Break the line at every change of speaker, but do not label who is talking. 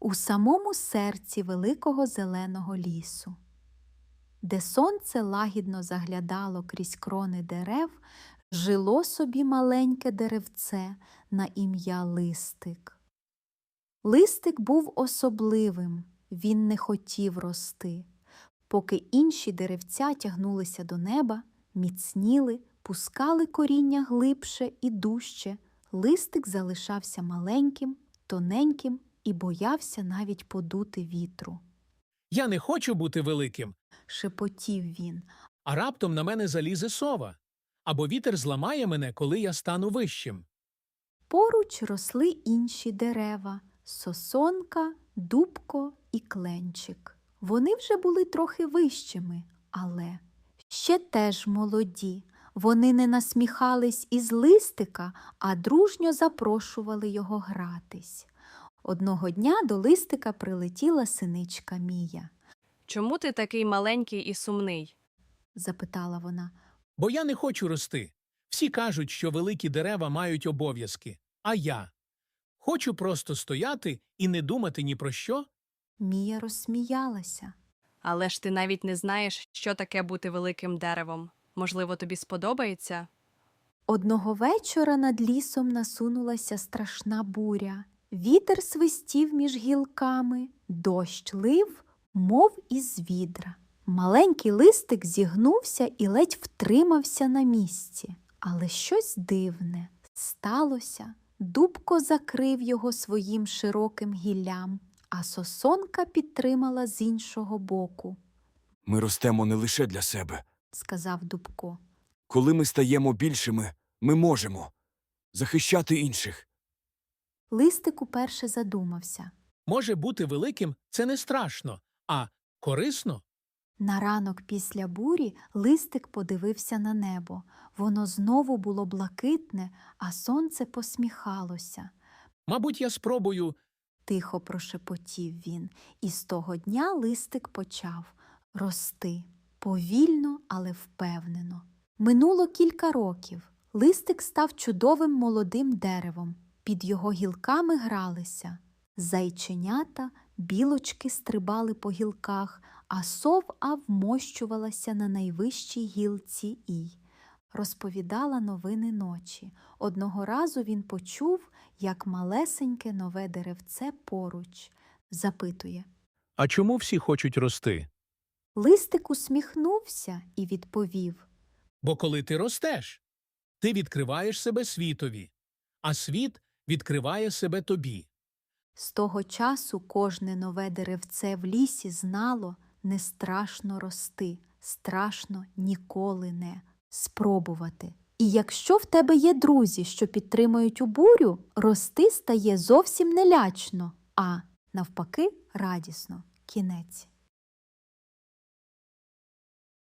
у самому серці великого зеленого лісу, де сонце лагідно заглядало крізь крони дерев, жило собі маленьке деревце на ім'я Листик. Листик був особливим, він не хотів рости. Поки інші деревця тягнулися до неба, міцніли, пускали коріння глибше і дужче, Листик залишався маленьким, тоненьким і боявся навіть подути вітру.
Я не хочу бути великим,
Шепотів він.
а раптом на мене залізе сова. Або вітер зламає мене, коли я стану вищим.
Поруч росли інші дерева – сосонка, дубко і кленчик. Вони вже були трохи вищими, але ще теж молоді. Вони не насміхались із Листика, а дружньо запрошували його гратись. Одного дня до Листика прилетіла синичка Мія.
«Чому ти такий маленький і сумний?»
– запитала вона.
Бо я не хочу рости. Всі кажуть, що великі дерева мають обов'язки. А я? Хочу просто стояти і не думати ні про що?
Мія розсміялася.
«Але ж ти навіть не знаєш, що таке бути великим деревом. Можливо, тобі сподобається?»
Одного вечора над лісом насунулася страшна буря. Вітер свистів між гілками, дощ лив, мов із відра. Маленький Листик зігнувся і ледь втримався на місці. Але щось дивне сталося. Дубко закрив його своїм широким гіллям, а сосонка підтримала з іншого боку,
Ми ростемо не лише для себе.
сказав Дубко.
Коли ми стаємо більшими, ми можемо захищати інших.
Листик уперше задумався.
Може, бути великим – це не страшно, а корисно?
На ранок після бурі Листик подивився на небо. Воно знову було блакитне, а сонце посміхалося.
Мабуть, я спробую.
Тихо прошепотів він, і з того дня Листик почав рости. Повільно, але впевнено. Минуло кілька років. Листик став чудовим молодим деревом. Під його гілками гралися зайченята, білочки стрибали по гілках, а сова вмощувалася на найвищій гілці і розповідала новини ночі. Одного разу він почув, як малесеньке нове деревце поруч. Запитує.
А чому всі хочуть рости?
Листик усміхнувся і відповів.
Бо коли ти ростеш, ти відкриваєш себе світові, а світ відкриває себе тобі.
З того часу кожне нове деревце в лісі знало, не страшно рости, страшно ніколи не спробувати. І якщо в тебе є друзі, що підтримують у бурю, рости стає зовсім не лячно, а навпаки радісно. Кінець.